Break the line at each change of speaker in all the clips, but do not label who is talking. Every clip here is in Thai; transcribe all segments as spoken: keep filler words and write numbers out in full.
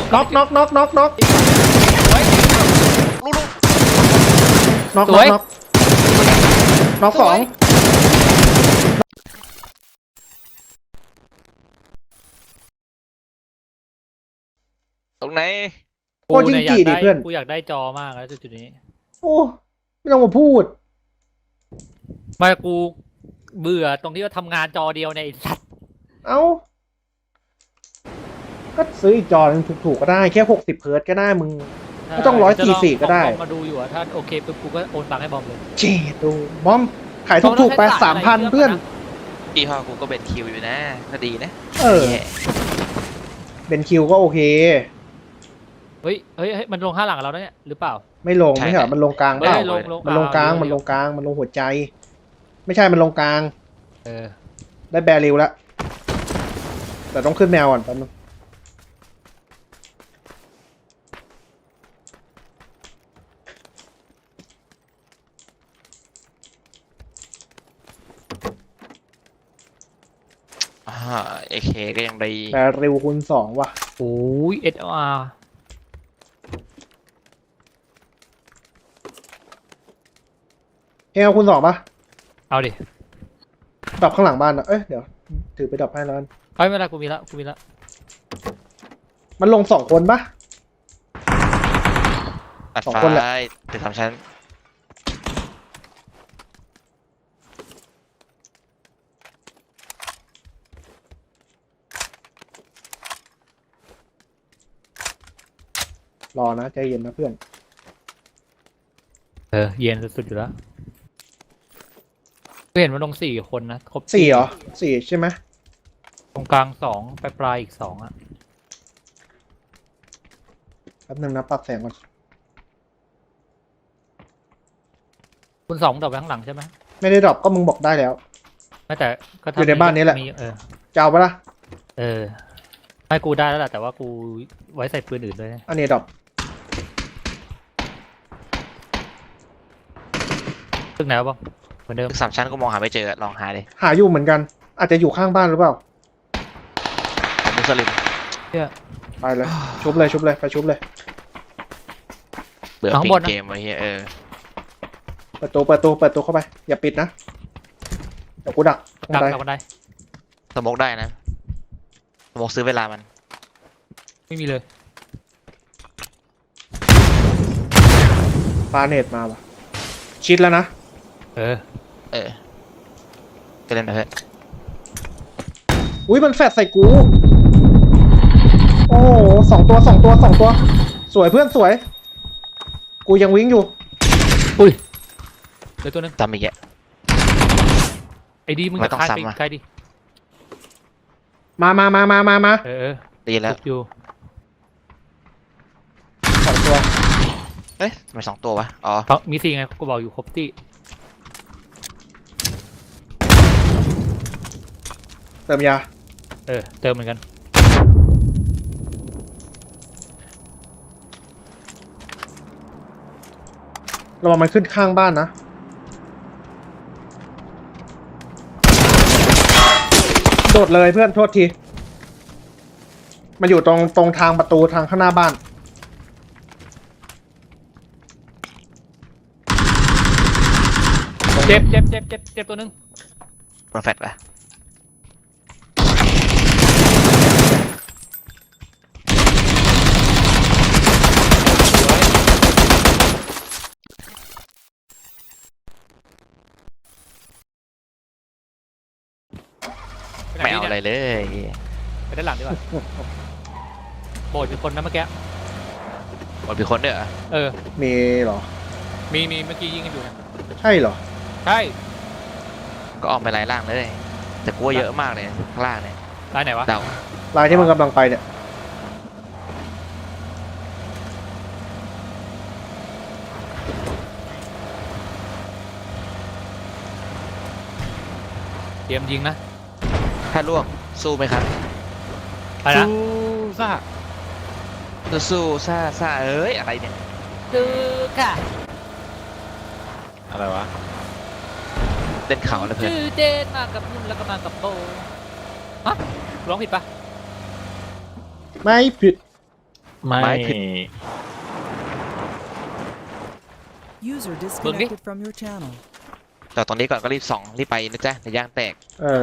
น็อกน็อกน็อกน็อกน็อก
ลูก
น็อก
ส
น็
ว
อย กน็อกน็อกสอง
ตรงไหน
โคจิงจีดิเพื่อน
กูอยากได้จอมากแล้วจุดนี้
โอ้ไม่ต้องมาพูด
ไมากูเบื่อตรงที่ว่าทำงานจอเดียวในยไอ้สัตว์
เอ้าก็ซื้ออีกจอหนึงถูกๆก็ได้แค่หกสิบเฮิร์ตซ์ก็ได้มึง ไม่ต้องร้อยสี่สี่ก็ได้
จะลองเอาบอมมาดูอยู่อะถ้าโอเคปุ๊บกูก็โอนตังค์ให้บอมเลย
เจดดูบอมขายถูกๆไปสามพันเพื่อน
พี่พ่อกูก็เป็นคิวอยู่นะก็ดีนะ
เออเบนคิวก็โอเค
เฮ้ยเฮ้ยเฮ้ยมันลงข้างหลังเราแล้วเนี่ยหรือเปล่า
ไม่ลงไม่ใช่เหรอมันลงกลางเป
ไม่
ล่า
ได้ลงลง
มันลงกลาง
อ่า
มันลงกลางมันลงหัวใจ ไม่ใช่มันลงกลาง
เออ
ได้แบริวแล้วแต่ต้องขึ้นแมวก่อนแป๊บนึง
อ่าเอเคก็ยังดี
แบริวคูณสองว่ะ
โอ้ยเอสอาร์
เอลคูณสองปะ
เอาดิ
ดรอปข้างหลังบ้านนะเอ้ยเดี๋ยวถือไปดรอปให้แล้วกัน
เฮ้ยไม่เป็นไรกูมีละกูมีละ
มันลงสองคนปะ
ตัด
สอง
ไฟ
คนแหละ
ตึกสามชั้น
รอนะใจเย็นนะเพื่อน
เออเย็นสุดๆอยู่แล้วกูเห็นมันลงสี่คนนะครบ
สี่เหรอสี่ใช่ไหม
ตรงกลางสองปลายปลายอีกสองอ่ะ
แป๊บนึงนะปรับแสงก่อน
คุณสองดอกไปข้างหลังใช่ไหม
ไม่ได้ดรอปก็มึงบอกได้แล้ว
ไม่แต่ก็
อยู่ในบ้านนี้แหละ
มีเออ
จะเอาปะล่ะ
เออไม่กูได้แล้วแหละแต่ว่ากูไว้ใส่ปืนอื่นด้วยนะ
อันนี้ดรอป
ตึกไหนวะบ้างเหมือนเดิม
ตึกสามชั้นก็มองหาไม่เจอลองหาดิ
หาอยู่เหมือนกัน อาจจะอยู่ข้างบ้านหรือเปล่า
มุสลิม
ไปเลย ชุบเลยชุบเลยไปชุบเลย
เบื่อปิดเกมไว้เฮียเออ
เปิดตัวเปิดตัวเปิดตัวเข้าไปอย่าปิดนะเดี๋ยวกูดักตรง
ดัก
ใด
ดักบันได
สโมกได้นะสโมกซื้อเวลามัน
ไม่มีเลย
ปาเนตมาว่ะชิดแล้วนะ
เออ
เออก็เล่นไปเถอะ
อุ้ยมันแฟดใส่กู โอ้โหสองตัวสองตัวสองตัว สวยเพื่อนสวย กูยังวิ่งอยู่
อุ้ยเดี๋ยวตัวนึง
ตามอีกแก
ไอ้ดีมึง
ไม่
จะ
ต้อง
คาน
ซ้ำ
ไป
อะ
ใครดิ
มามามามามามา
เออเออ
ได้ยินแล้ว
ทุบอยู่
สองตัว
เอ๊ะทำไมสองตัววะอ๋อ
เพราะมีสี่ไงกูบอกอยู่ครบที่
เติมยา
เออเติมเหมือนกัน
ระวังมันขึ้นข้างบ้านนะ โดดเลยเพื่อนโทษที มันอยู่ตรงตรงทางประตูทางข้างหน้าบ้าน
เจ็บเจ็บเจ็บเจ็บเจ็บตัวนึง
โปรแฟตปะไม่เอาอะไรเลย
ไปด้านหลังดีกว่าโบดอยู่คนนะเมื่อกี้
หมดมีคนด้วยเหรอ
เออ
มีเหรอ
มีมีเมื่อกี้ยิงกันอยู่นะ
ใช่เหรอ
ใช่
ก็ออกไปไล่ล่างเลย แต่กูว่าเยอะมากเลยข้างล่างเนี่ย
รายไหนวะ
เดา
ลายที่มึงกำลังไปเนี่ย
เตรียมยิงนะ
ถ้าล่วงสู้ไหมครับ
ไปนะ
ซ่าสู้ซ่าซ่าเอ้ยอะไรเนี่ย
ดูค่ะ
อะไรวะเล่นเขาแล้วเพื่อน
ชื่อเดนมากับนุ่นแล้วก็มากับโบฮะร้องผิดปะ
ไม่ผิด
ไม่
ไม้ผิด
User disconnected from your channel.
แต่ตรงนี้ก่อนก็รีบส่องรีบไปนะจ๊ะแต่ย่างแตก
เออ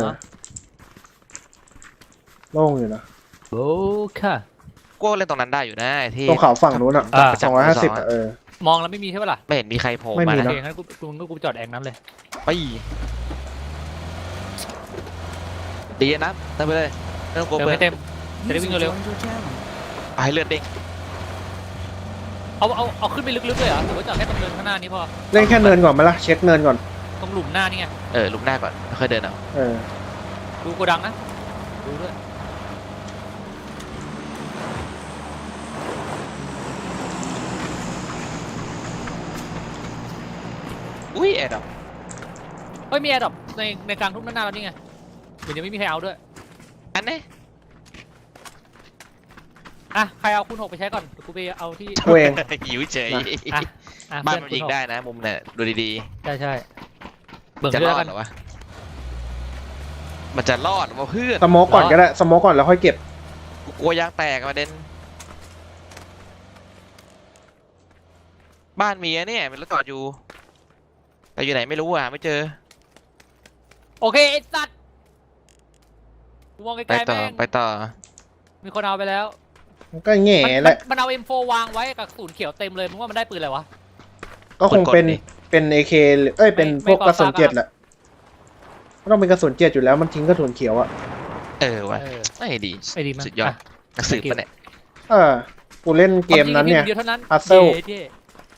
โล่งอยู่นะ
โอ้ค่ะ
กูเล่นตรงนั้นได้อยู่นะไอ้ที่
ตรงเขาฝั่งนู้นอ่ะ
อ่า
สองร้อยห้าสิบอ่ะเออ
มองแล้วไม่มีใช่ปะล่ะ
ไม่เห็นมีใครโผล่
ไม่
มา
มี
นะ
โอ
นะ
เคงั้นกูกูกูจอดแองนั้นเลย
ไปดีนะเติมไปเลยไม่ต้องกลัว
เติม
เพื่อ
ให้
น
เต็ม
User
Television alo.
joined your channel.
เอาให้เลือดเด้ง
เอาเอาเอาขึ้นไปลึกๆเลยเหรอหรือว่าจอดแค่ตรงเนินข้างหน้านี้พอ
เล่นแค่เนินก่อนไหมล่ะเช็คเนินก่อน
ตรงหลุมหน้านี่ไง
เออลุกหน้าก่อนค่อยเดินเอา
เออ
ดูโกดังนะดูด้วย
อุ้ยแอดดับ
เฮ้ยมีแอร์ดรอปในในกลางทุ่งด้านหน้าแล้วนี่ไงเดี๋ยวยังไม่มีใครเอาด้วย
อันนี้
อ่ะใครเอาคูณหกไปใช้ก่อนเดี๋ยวกูไปเอาที่
กูเอง
หิวเฉย
อ่ะอ่ะ
บ้าน
เพื่
มัน
คูณ
ยิง
หก
ได้นะมุมเนี่ยดูดี
ใช่ใช่เบิ่ง
ๆจะ
ด้
ร
วย
อ
แล้วกั
ด
น
เหรอวะมันจะรอดวะเพื่อน
สโมกก่อนก็ได้สโมกก่อนแล้วค่อยเก็บ
กูกลัวยางแตกประเด็นบ้านมีอะเนี่ยเป็นรถจอดอยู่แต่อยู่ไหนไม่รู้อ่ะไม่เจอ
โอเคไอ้สัตว์กูมองไก
ไป
ลๆ
ต่อ
แม่ง
ไปต่อ
มีคนเอาไปแล้ว
มันก็แง่
มัน
แหละ
มันเอา เอ็ม โฟร์ วางไว้กับศูนย์เขียวเต็มเลยมึงว่ามันได้ปืนอะไรวะ
ก็คงเป็นเป็นเอเคเอ้ยเป็น
ไม่
พวกกระสุน
ไม่
เจ็ดแหละมันต้องเป็นกระสุนเจ็ดอยู่แล้วมันทิ้งกระสุนเขียวอ่ะ
เออวะ
เออ
ไม่ดี
ไอ้ดีมาก
สุดยอด
อ่ะ
นักสืบปะเนี่ย
เออกูเล่นเกมนั้นเนี่ย
ความจริงมีเดียวเท่านั้น
Puzzle
เย้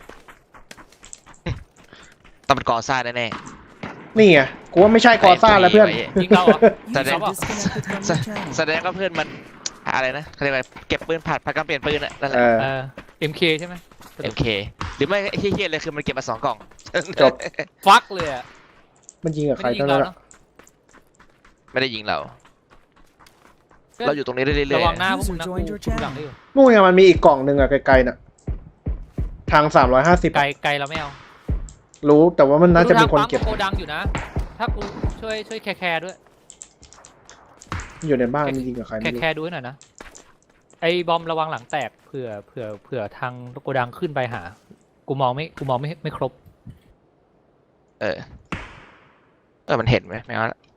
ต้องเป็นกอซ่าแน่
นี่ไงกูว่าไม่ใช่กอซ่าแล้วเพื่อน
ไอ้
ๆยิงเราเหรอ
User
Tadek.
disconnected from your channel.
ๆแสดงว่าเพื่อนมันอะไรนะเขาเรียกว่าเก็บปืนผัดผัดการเปลี่ยนปืนอะนั่นแห
เอ
ละ
อ
เออ เอ็ม เค ใช่ไหม
เอ็มเคหรือไม่เฮี้ยๆเลยคือมันเก็บมาสองกล่อง
จบ
ฟักเลยอ่ะ
มันยิงกับ
ไม่
ใคร
ได้ยิ
เท่าง
เรา
นั้น
เนาะ
ไม่ได้ยิงเรา เราอยู่ตรงนี้เรื่อย
ระวังห
ๆ
น้าพวกมึงนะ
User
กู
joined your
ดูหลังได้อยู่
นู่นไงมันมีอีกกล่องหนึ่งอะไกลๆน่ะทางสามร้อยห้าสิบ
ไกลไกลเราไม่เอา
รู้แต่ว่ามันน่าจะมีคนเก็บ
ดูทางปั๊มโกดังอยู่นะ ถ้ากูช่วยช่วยแคร์แคร์ด้วย
อยู่ในบ้านมันยิงกับใคร
แค
ไม่
ร์
รู้
แคร์ดูให้หน่อยนะ ไอ้บอมระวังหลังแตกเผื่อเผื่อเผื่อทางโกดังขึ้นไปหา กูมองไม่กูมองไม่ไม่ครบ
เออเออมันเห็นไหมไม่เอาละ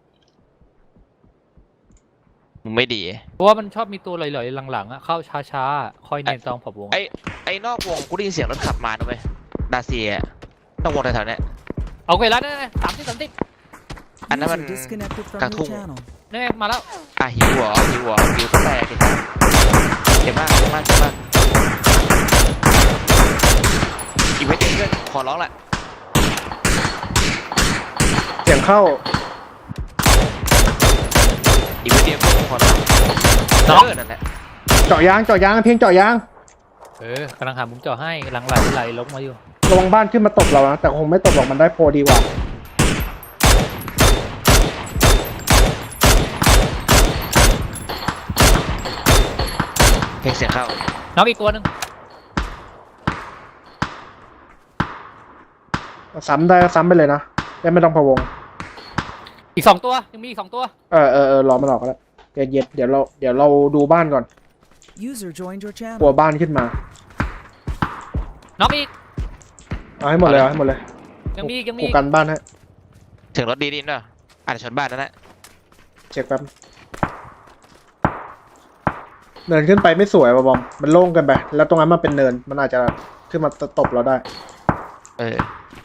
มึงไม่ดี
เพราะว่ามันชอบมีตัวลอยๆหลังๆอ่ะเข้าช้าๆ คอยเนียนตองผบวง
ไอ้ไอ้นอกวงกูได้ยินเสียงรถขับมาด้วยดาเซียนอกวงแถวๆเนี้ย
เอาไปแล้วเนี่ยสามสิบสามสิบ
อันนั้นมัน
User disconnected from
กลาง
your
ทุ่ง
channel.
เนี่ยมาแล้ว
อ่ะหิวเหรอหิวเหรอหิวก็แตกเห็นไหมเก่งมากเก่งมากเก่งมากอีกไม่เก่งเพื่อนขอร้องแหละ
เสียงเข้า
อีกไม่เดียวเพื่อนขอร้องเออนั่นแหละ
เจาะยางเจาะยางเพียงเจาะยาง
เออกำลังหามุมเจาะให้กำลังไหลไหลลงมาอยู่
ระวังบ้านขึ้นมาตบเรานะแต่คงไม่ตบหรอกมันได้โปรดีกว่า
เพลงเสียงเข้า
น้องอีกตัวหนึ่ง
ซ้ำได้ก็ซ้ำไปเลยนะได้ไม่ต้องพะวง
อีกสองตัวยังมีอีกสองตัว
เออเออเออรอมันออกก็แล้วเย็นเย็นเดี๋ยวเราเดี๋ยวเราดูบ้านก่อน
User joined your
กลัว
channel.
บ้านขึ้นมา
น้องอีก
เอาให้หมดเลยเอาให้หมดเลย
ยังมีอีกยังมี
กู
อีก
กันบ้านให้
ถึงรถดีดินด้วยอาจจะชนบ้านนั่นแหละ
เช็คแป๊บเนินขึ้นไปไม่สวยว่ะบอมมันโล่งเกันไปแล้วตรงนั้นมันเป็นเนินมันอาจจะขึ้นมาตบเราได้
เออ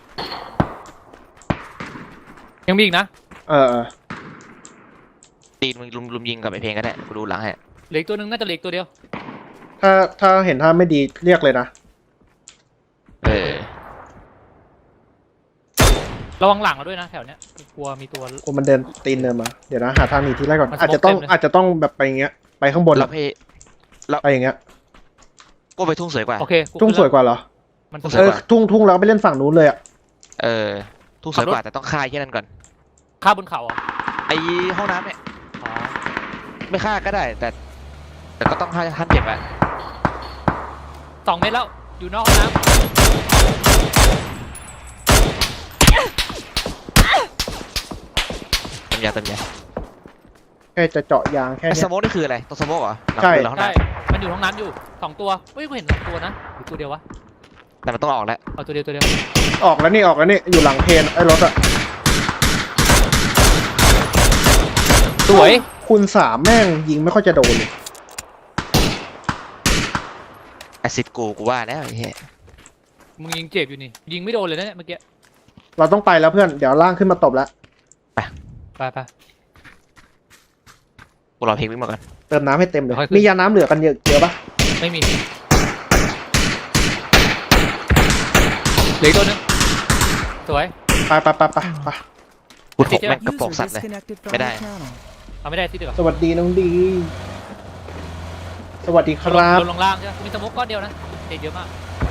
ยังมีอีกนะ
เออเออ
ตีนมึงลุมลุมยิงกับไอเพลงก็ได้กูดูหลังให้
เหลืออีกตัวหนึ่งน่าจะเหลืออีกตัวเดียว
ถ้าถ้าเห็นท่าไม่ดีเรียกเลยนะ
เออ
ระวังหลังเราด้วยนะแถวเนี้ยกลัวมีตัว
กูมันเดินตีนเนินมาเดี๋ยวนะหาทางหนีที่แรกก่อน
มัน
อาจจะต้อง
สโมกเต็มเลย
อาจจะต้องแบบไปอย่างเงี้ยไปข้างบน
แล้วเพ
ไปอย่างเงี้ย
กูไปทุ่งสวยกว่า
โอเคกู
ทุ่งสวยกว่าเหรอ
มัน
ทุ่งส
เอ
วย
อทุ่งทุ่งแล้วก็ไปเล่นฝั่งนู้นเลยอ่ะ
เออทุ่งสวยกว่าแต่ต้องฆ่าแค่นั้นก่อน
ฆ่าบนเขาเหรอ่ะ
ไอห้องน้ำเนี่ย
อ๋อ
ไม่ฆ่าก็ได้แต่ แต่ก็ต้องให้ท่านเจ็บอะ
สองเมตรแล้วอยู่นอกห้องน้
เต็มยาเต็มยา
แค่จะเจาะยางแค่
ไอ
เนี้
ส
ย
โมกนี่คืออะไรตัวสโมกเหรอหลัง
ใช่
มือหลัง
ำ
ห้อง
ใช่
น้ำ
ไปมันอยู่ห้องน้ำอยู่สองตัวเฮ้ยกูเห็นสองตัวนะหรือตัวเดียววะ
แต่มันต้องออกแล้ว
เอาตัวเดียวตัวเดียว
ออกแล้วนี่ออกแล้วนี่อยู่หลังเพนไอ้รถอะ
สวย
คูณสามแม่งยิงไม่ค่อยจะโดนเลย
แอซิดกูกูว่าแล้วไอ้เหี้ย
มึงยิงเจ็บอยู่นี่ยิงไม่โดนเลยนะเนี่ยเมื่อกี้
เราต้องไปแล้วเพื่อนเดี๋ยวล่างขึ้นมาตบแล้ว
ไปไป
กูรอเพลงวิ่งมาก่อน
เติมน้ำให้เต็มเลย
ค่อยขึ้น
มียาน้ำเหลือกันเยอะเยอะปะ
ไม่มีเหลืออกตัวหนึงสวย
ไปไปไปไปไป
กูถกแม่งกระ
User
โปรงสัตว์เลย
disconnected from
Cái
your
này.
channel.
เอาไม่ได้ที่เดียว
สวัสดีน้องดี สวัสดีครับ
ลงลงล่างใช่ไหมมีสโมกก้อนเดียวนะเด็ดเยอะมาก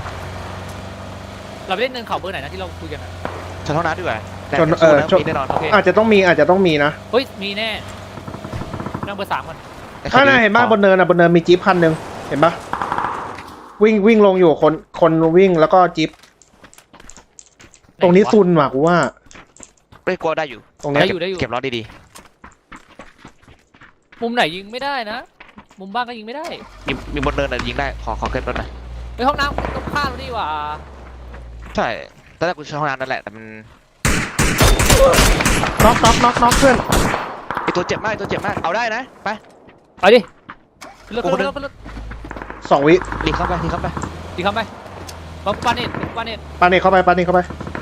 เราไปเล่นเนินเขาเบอร์ไหนนะที่เราคุยกันอะ
ชนห้องน้ำดีกว่าแต่
ชนเออ
สู้ะ
ชน
มีแน่นอน
โอเค
อาจจะต้องมีอาจจะต้องมีนะ
เฮ้ยมีแน่นั่งเบอร์สามกัน
แต่
ถ้าน่าเห็นบ้านบนเนินอ่ะบนเนินมีจี๊ปคันหนึ่งเห็นปะวิ่งวิ่งลงอยู่คนคนวิ่งแล้วก็จี๊ปตรงนี้ซุนว่ะกูว่า
เฮ้ยกลัวได้อยู่
ตรงเนี้ย
ได้อยู่ได้อยู่
เก็บล้อดี
มุมไหนยิงไม่ได้นะมุมบ้านก็ยิงไม่ได้
ๆมีมีบนเนินอะยิงได้ขอขอเก็บรถหน่อย
เฮ้ยห้องน้ำตรงข้ามเราดีกว่า
ใช่ตอนแรกกูใช้ห้องน้ำนั่นแหละแต่มัน
น็อกน็อกน็อกน็อกเพื่อน
ไอตัวเจ็บมากไอ้ตัวเจ็บมากเอาได้นะไป
เอาดิขึ้นรถ
โอ้
ขึ้น
โห
รถขึ้นรถ
สองวิ
รีบเข้าไปรีบเข้าไป
ดีเข้าไปบอมปาเน็ตปาเน็ต
ปาเนกเข้าไปปาเนกเข้าไป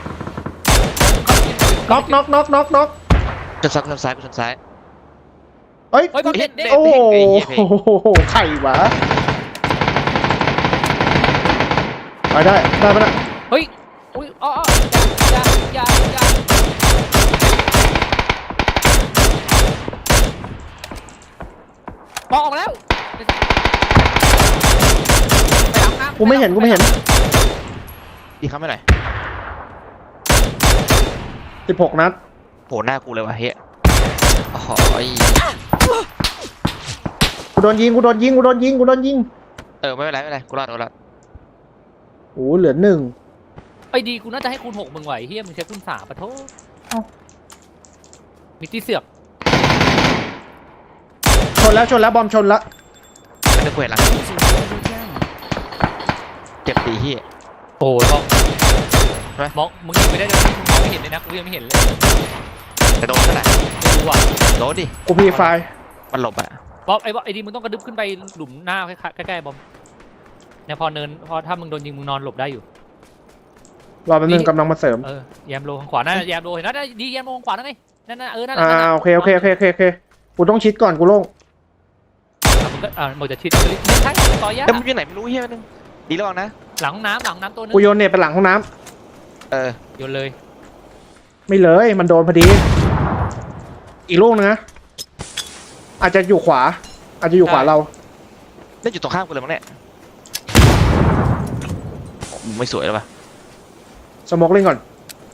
น็อกน็อกน็อกน็อกน็อก
ชนซ้ายชนซ้ายชนซ้าย
เอ้ย
เฮ้ยบอมเน็ตเด็ก
โอ้โห
ไอ้เหี้ยเพลง
ไข่หวะไปได้ได้ปะนะ
เฮ้ยอุ้ยอ๋ออ๋ออย่าอย่าอย่าปอกออกมาแล้วไปอาบน้ำ
กูไม่เห็นกูไม่เห็น
รีบเข้าไปหน่อย
สิบหกนัด
โหหน้ากูเลยว่ะเฮ้ยโอ้โหย
กูโดนยิงกูโดนยิงกูโดนยิงกูโดนยิง
เออไม่เป็นไรไม่เป็นไรกูรอดกูรอด
โอ้เหลือหนึ่ง
ไอ้ดีกูน่าจะให้คูณหกมึงไหวเฮียมึงใช้คูณสามปะโทษมีที่เสือก
ชนแล้วชนแล้วบอมชนแล้ว
มันจะเขวดหลัง
User joined your channel.
เจ็บดีเฮีย
โอ้ยมอง
ใช่ไหม
มองมึงยิงไม่ได้เลยมึงมองไม่เห็นเลยนะกูยังไม่เห็นเลย
แต่โดนเท่าไหร่
ไม่รู้อ่ะ
โดนดิ
กูพีไฟ
มันหลบอะ
บอมไอ้บอมไอ้ดีมึงต้องกระดึบขึ้นไปหลุมหน้าใกล้ๆใกล้ๆบอมเนี่ยพอเนินพอถ้ามึงโดนยิงมึงนอนหลบได้อยู่
รอแป๊บนึงกำลังมาเสริม
เออแยมโลทางขวานั่นแยมโลเห็นนะดีแยมโลทางขวานั่นไงนั่นน่ะเออนั่นน่ะ
อ่า
นั่นน่ะ
โอเคโอเคโอเคโอเคโอเคกูต้องชิดก่อนกูโล่ง
อ่ะมึงก็อ่ามึงจะชิดไม่ใช่ต่อยยาก
แต่มันอยู่ไหนไม่รู้เฮียนึงดีระวังนะ
หลังห้องน้ำหลังห้องน้ำตัวนึง
กูโยนเน็ตไปหลังห้องน้ำ
เออ
โยนเลย
ไม่เลยมันโดนพอดี อีกลูกนึงนะอาจจะอยู่ขวา อาจจะอยู่ขวาเรา
เล่นอยู่ตรงข้ามกูเลยมั้งเนี่ยโอ้มึงไม่สวยแล้วป่ะ
สโมกเล่นก่อน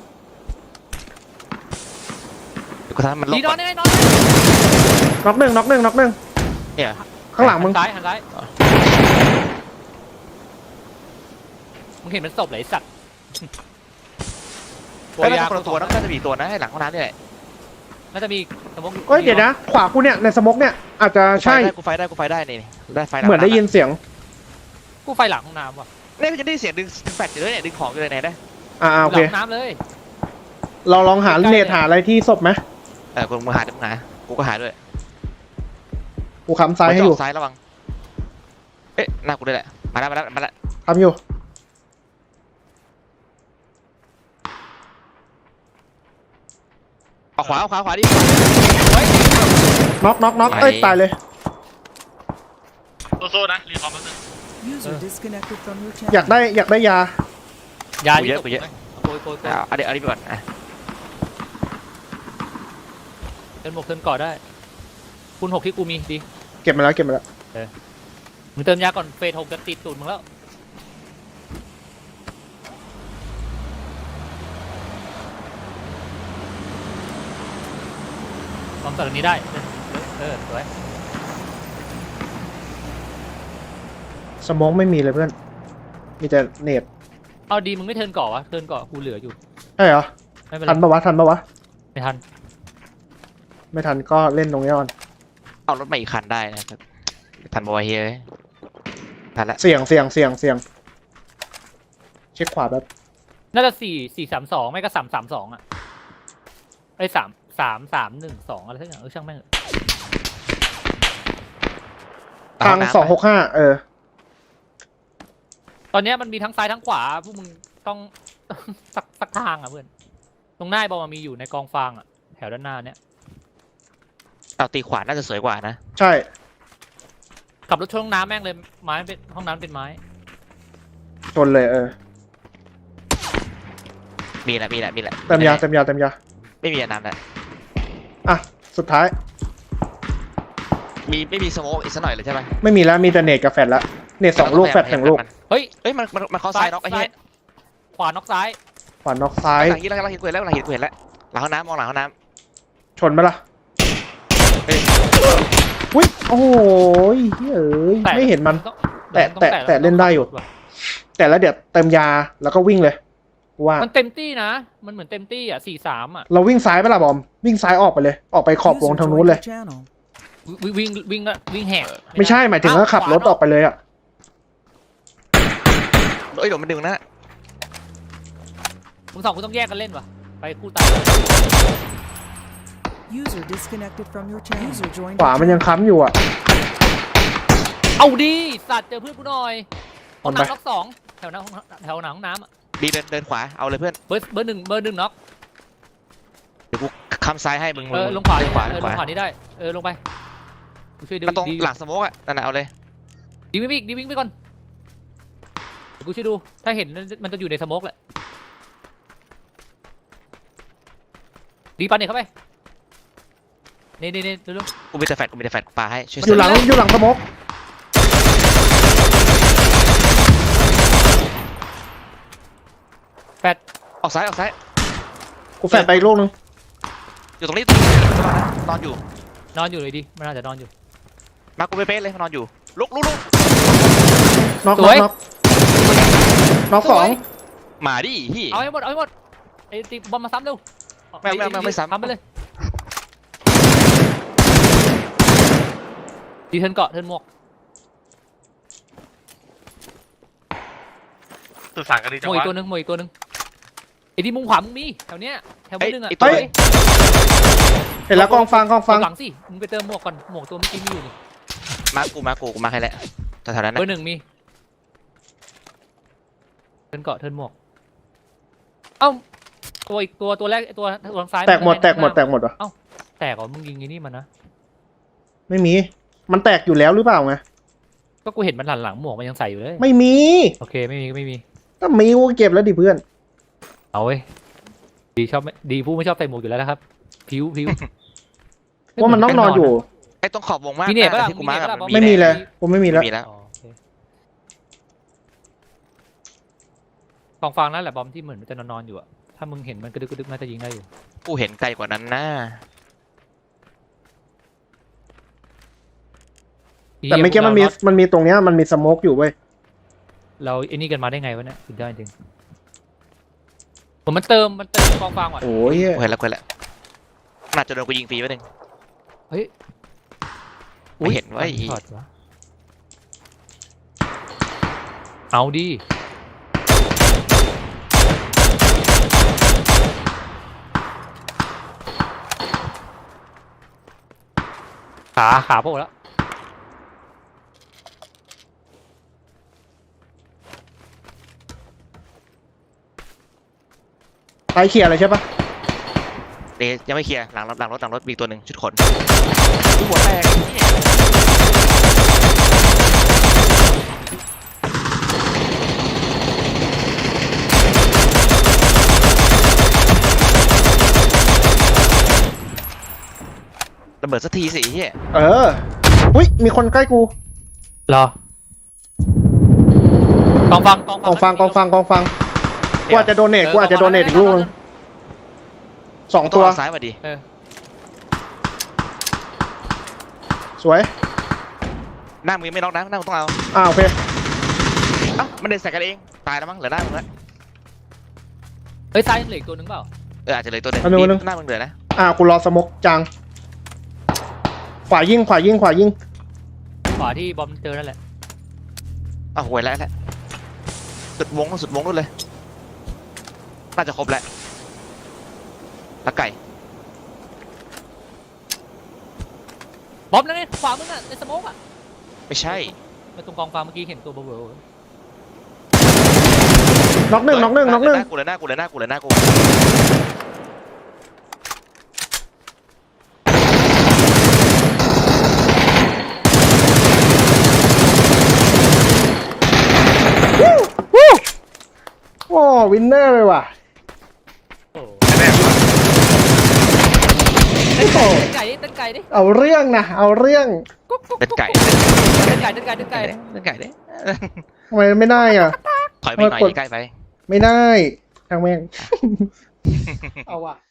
เดี๋ยวกูทำให้มันหลบ
ดีน
ก่
อ
อน น
ได้ไงนอนได้
น็อกหนึ่งน็อกหนึ่งน็อกหนึ่ง
เนี่ย
ข้างหลังมึง
หันซ้ายหันซ้ายมึงเห็นมันศพเหรอไอ้สัตว์
เอ้ยน่าจะคนละตัวนะน่าจะมีอีกตัวนะให้หลังห้องน้ำนี่แหละ
น่าจะมีสมอง
เอ้ยเดี๋ยวนะ ขวากูเนี่ยในสโมกเนี่ยอาจจะใช่
กูไฟได้กูไฟได้นี่ได้ไฟหลัง
เหมือนได้ยินเสียง
กูไฟหลังห้องน้ำว่ะ
เนี่ยมันจะได้เสียงดึงดึงแฟลชอยู่เลยเนี่ยดึงของอยู่เลยไหนได้
อ่าโอ
หลั
เค
งห้องน้ำเลย
เราลองหาเน็ตหาอะไรที่ศพไหม
เออกูมึงหาเดี๋ยวมึงหากูก็หาด้วย
กูค้ำซ้ายให้อยู่
ซ้ายระวังเอ๊ะหน้ากูด้วยแหละมาแล้วมาแล้วมาแล้ว
ค้ำอยู่
เอาขวาเอาขวาขวาดิ
น็อกน็อกน็อกเอ้ยตายเลย
โซ่ๆนะรีคอมแป๊บนึง
User disconnected from your channel.
อยากได้อยากได้ยา
ยา
กูเยอะกูเยอะ
โกยโกยโกย
เอาเอาเดี๋ยวเอาดิไปก่อนอ่ะ
เติมหมวกเติมก่อได้คูณหกที่กูมีดี
เก็บมาแล้วเก็บมาแล้ว
มึงเติมยาก่อนเฟสหกจะติดตูดมึงแล้วลองตัดอันนี้ได้เออสวย
สโมกไม่มีเลยเพื่อน มีแต่เน็ต
เอาดีมึงไม่เทิร์นก่อวะเทิร์นก่อกูเหลืออยู่
ใช่เหรอ
ไม่เป็นไร
ทันปะวะทันปะวะ
ไม่ทัน
ไม่ทันก็เล่นตรงนี้ก่อน
เอารถมาอีกคันได้นะครับทันบอยเฮ้ยทันละ
เสี่ยงเสี่ยงเสี่ยงเสี่ยงเช็คขวาแบบ
น่าจะสี่สี่สามสองไม่ก็สามสามสองอ่ะไอ้สามสามสามหนึ่งสองอะไรสักอย่างเออช่างแม่ง
ทางสองหกห้าเออ
ตอนเนี้ยมันมีทั้งซ้ายทั้งขวาพวกมึงต้อง สักสักทางอ่ะเพื่อนตรงหน้าบอลมันมีอยู่ในกองฟางอ่ะแถวด้านหน้าเนี้ย
เอาตีขวาน่าจะสวยกว่านะ
ใช่
ขับรถชนห้องน้ำแม่งเลยไม้เป็นห้องน้ำเป็นไม้
ชนเลยเออ
มีแหละมีแหละมีแหละ
เต็มยาเต็มยาเต็มยา
ไม่มีน้ำแหละ
อ่ะสุดท้าย
มีไม่มีสโมกอีกสักหน่อยเลยใช่ไหม
ไม่มีแล้วมีแต่เนตกับแฟดละเนตสองลูกแฟดหนึ่งลูก
เฮ้ย
เอ้ยมันมันมันเข้าซ้ายน็อกไอ้เหี้ย
ขวาน็อกซ้าย
ขวานอกซ้าย
หลังนี้แล้วหลังหินเกล็ดแล้วหลังหินเกล็ดแล้วหลังห้องน้ำมองหลังห้องน้
ชนไหมล่ะ
ำเฮ้ย
อุ้ยโอ้โหเอ้ยไม่เห็นมัน
ต้อง
แตะ
ต้อง
แตะแตะเล่นได้อยู่ แต่แล้วเดี๋ยวเติมยาแล้วก็วิ่งเลยว่า
มันเต็มตี้นะ มันเหมือนเต็มตี้อ่ะสี่สามอ่ะ
เราวิ่งซ้ายไปละบอมวิ่งซ้ายออกไปเลย ออกไปขอบวง
User
ทางนู้น
joined
เลย
your channel.
วิ่งวิ่งวิ่งอะวิ่งแหก
ไม่ใช่หมายถึงว่าขับรถออกไปเลยอ่ะ
เอ้ยเดี๋ยวมันดึงนะ
มึงสองคุณต้องแยกกันเล่นวะไปคู่ตาย
User disconnected from your channel. User joined
ขวา
your
มันยัง
channel.
ค้ำอยู่อ่ะ
เอาดีสัตว์เจอเพื่อนกูหน่อยห้อง
เอาไป
น้ำน็อกสองแถวหน้าห้องแถวหน้าห้องน้ำอะ
ดีเดินเดินขวาเอาเลยเพื่อน
เบอร์เบอร์หนึ่งเบอร์หนึ่งน็อก
เดี๋ยวกูคำซ้ายให้มึง
เออ
มึ
ลงขวา
เดินขวา
เอ
เดิ
อน
ข
ลง
วา
ขวานี้ได้เออลงไปกูช่วยดู
มันตรง
ดี
หลังสโมกอ่ะนั่นน่ะเอาเลย
ดีวิ่งไปอีกดีวิ่งไปก่อนเดี๋ยวกูช่วยดูถ้าเห็นมันจะอยู่ในสโมกแหละดีปันเนี่ยเข้าไปนี่นี่นี่เร็ว
กูมีแต่แฟดกูมีแต่แฟดปาให้ช่วย
อยู่หลังอยู่หลังสโมก
ๆแปด
ออกซ้ายออกซ้าย
กูแฟดไปอีกลูกนึง
อยู่ตรงนี้ตรงนี้นอนอยู่
นอนอยู่เลยดิมันน่าจะนอนอยู่
มากูเป๊ะๆเลยนอนอยู่ลุกลุกลุก
น็อก
ส
น็อ
ว
ก
ย
น็อกน็อกสอง
มาดิพี่
เอาให้หมดเอาให้หมดไอ้ตีบอลมาซ้ำเร็ว
ไม่ไม่ไม่ไม่ซ้ำ
ซ้ำไปเลยดีเทิร์นเกาะเทิร์นหมวก
สื่อสารกันดี
ห
จั
ม
ง
วกอี
วะ
กตัวหนึงหมวกอีกตัวหนึงไอ้ที่มุมขวามึงมีแถวเนี้ยแถวเบอร์หนึ่งอ่ะ
เฮ้ยเห็นแล้วกองฟังกองฟัง
หลังสิมึงไปเติมหมวกก่อนหมวกตัวเมื่อกี้มีอยู่นี่
มากูมากูกูมาให้แล้วแถวๆนั้น
เบอ
นะ
ร์หนึ่งมีเทิร์นเกาะเทิร์นหมวกเอ้าตัวอีกตัวตัวแรกไอ้ตัวตัวทางซ้าย
แตกหมด
น
แตกหมดแตกหมดวะ
แตกเหรอมึงยิงไอ้นี่มันนะ
ไม่มี มันแตกอยู่แล้วหรือเปล่าไง
ก็กูเห็นมันหลังหลังหมวกมันยังใส่อยู่เลย
ไม่มี
โอเคไม่มีก็ไม่มี
ถ้ามีกูเก็บแล้วดิเพื่อน
เอาเว้ยดีชอบไม่ดีผู้ไม่ชอบใส่หมวกอยู่แล้วนะครับผิวผิว
ว่ามันต้องนอนอยู่
ไอ้ตรงขอบวงมาก
มีเนี่ยปะ
นะ
ล่ะ
ที่กูมาร์คอะ
มีเนี่ยปะล่ะ
ไม่มีเลยกูไม่มีแล้ว
มีแล้ว
อ๋อโอเคกองฟางนั่นแหละบอมที่เหมือนมันจะนอนๆอยู่อะถ้ามึงเห็นมันกระดึกกระดึกน่าจะยิงได้อยู่
กูเห็นไกลกว่านั้นนะ
แต่เมื่อกี้มันมีมันมีตรงเนี้ยมันมีสโมกอยู่เว้ย
เราไอ้นี่กันมาได้ไงวะเนี่ยสุดยอดจริงผมมันเติมมันเติมกองฟางว่ะ
โอ้ย
กูเห็นแล้วกูเห็นแล้วน่าจะโดนกูยิงฟรีไปหนึ่ง
เฮ้ย
ไม่เห็นว่าไอ้
ถอดวะเอาดิขาขาโผล่แล้ว
ตายเขี่ยอะไรใช่ปะ
เดยวยังไม่เคลียร์หลังรถหลังรถหลังรถมีอีกตัวหนึ่งชุดขนกูหัวแตกเนี่ย ระเบิดสักทีสิเฮีย
เอออุ้ยมีคนใกล้กู
รอกองฟังกอง
กองฟังกองฟังกองฟังกูอาจจะโดเนทกูอาจจะโดเนทอีกลูกนึงสอง
ต้
ตั
อง
ว
เอาซ้ายมาดิ
เออ
สวย
หน้ามึงยังไม่น็อกนะหน้ามึงต้องเอา
อ่าโอเค
เอ้ามันเดินใส่กันเองตายแล้วมั้งเหลือหน้ามึงละ
เฮ้ยซ้ายยังเหลืออีกตัวหนึงเปล่า
เอออาจจะเหลือตัวหนึ่ง
อันนึงอันนึง
หน้ามึงเหลือนะ
อ่ากูรอสโมกจังขวายิงขวายิงขวายิง
ขวาที่บอมเจอนั่นแหละ
อ้าวหวยแล้วแหละสุดวงสุดวงนู่นเลยน่าจะครบแล้วแล้วไก่
บอมนั่นไงขวามึงอ่ะในสโมกอ่ะ
ไม่ใช่
ไปตรงกองฟางเมื่อกี้เห็นตัวเบลอ
น็อกหนึ่งน็อกหนึ่งน็อกหนึ่ง
กูเลยหน้ากูเลยหน้ากูเลยหน้ากู
โอ้วินเนอร์เลยว่ะ
ๆโอ้
แม่
เต้นไก่เต้นไก่ดิเต้นไก่ดิ
เอาเรื่องนะเอาเรื่อง
กุ๊กกุ๊ก
เป็นไก่
เต้นไก่เต้นไก่เต้นไก่
เป็นไก่เด้
ทำไมไม่ได้อ่ะ
ถอยไปหน่อยใกล้ไป
ไม่ได้ทางแม่ง เอาว่ะ